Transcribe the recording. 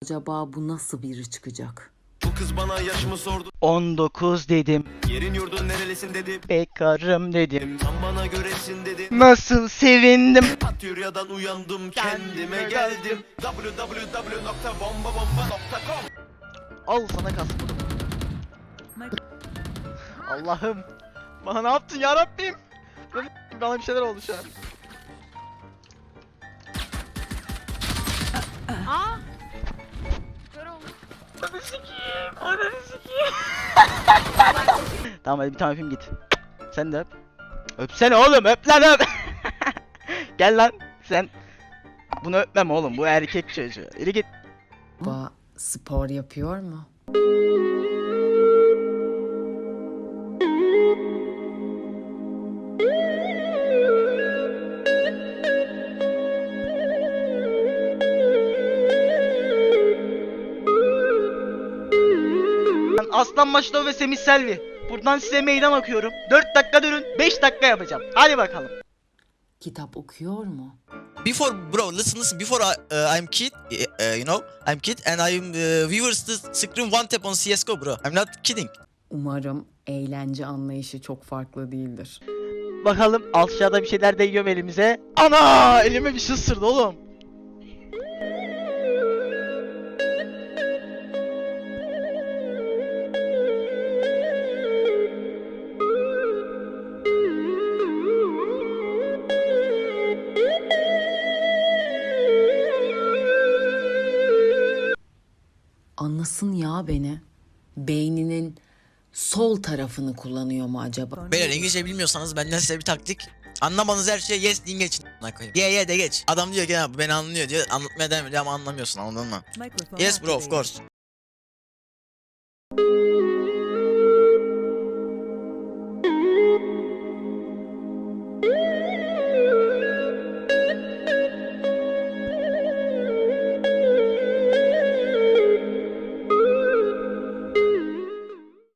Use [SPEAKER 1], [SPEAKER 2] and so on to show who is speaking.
[SPEAKER 1] acaba bu nasıl biri çıkacak?
[SPEAKER 2] Bu kız bana yaşımı sordu.
[SPEAKER 3] 19 dedim.
[SPEAKER 2] Yerin yurdun nerelisin dedi.
[SPEAKER 3] Bekarım dedim.
[SPEAKER 2] Tam bana göresin dedi.
[SPEAKER 3] Nasıl sevindim.
[SPEAKER 2] Atyuryadan uyandım kendime geldim. www.bombabomba.com.
[SPEAKER 3] Al sana kask. Allah'ım. Bana ne yaptın ya Rabbim? Bana bir şeyler oldu şu an.
[SPEAKER 4] Aa! Kör oldu.
[SPEAKER 3] Tamam hadi bir tane öpeyim git. Sen de öp. Öpsene oğlum, öp lan öp. Gel lan sen. Bunu öpmem oğlum, bu erkek çocuğu. Yürü git.
[SPEAKER 1] Baba spor yapıyor mu?
[SPEAKER 3] Ben Aslan Maşto ve Semih Selvi. Buradan size meydan okuyorum. 4 dakika durun, 5 dakika yapacağım. Hadi bakalım.
[SPEAKER 1] Kitap okuyor mu?
[SPEAKER 5] Before, bro, listen. Before I'm kid, you know, I'm kid, and I'm viewers to scream one tap on CS:GO, bro. I'm not kidding.
[SPEAKER 1] Umarım eğlence anlayışı çok farklı değildir.
[SPEAKER 3] Bakalım aşağıda bir şeyler değiyor elimize. Ana! Elime bir şey ısırdı oğlum.
[SPEAKER 1] Anlasın ya beni. Beyninin sol tarafını kullanıyor mu acaba?
[SPEAKER 5] Beyler, İngilizce bilmiyorsanız benden size bir taktik. Anlamanız her şeye yes deyin, geçin. Ye de geç. Adam diyor ki ya, beni anlıyor diyor. Anlatmaya devam ediyor ama anlamıyorsun, anladın mı? Yes bro, of course.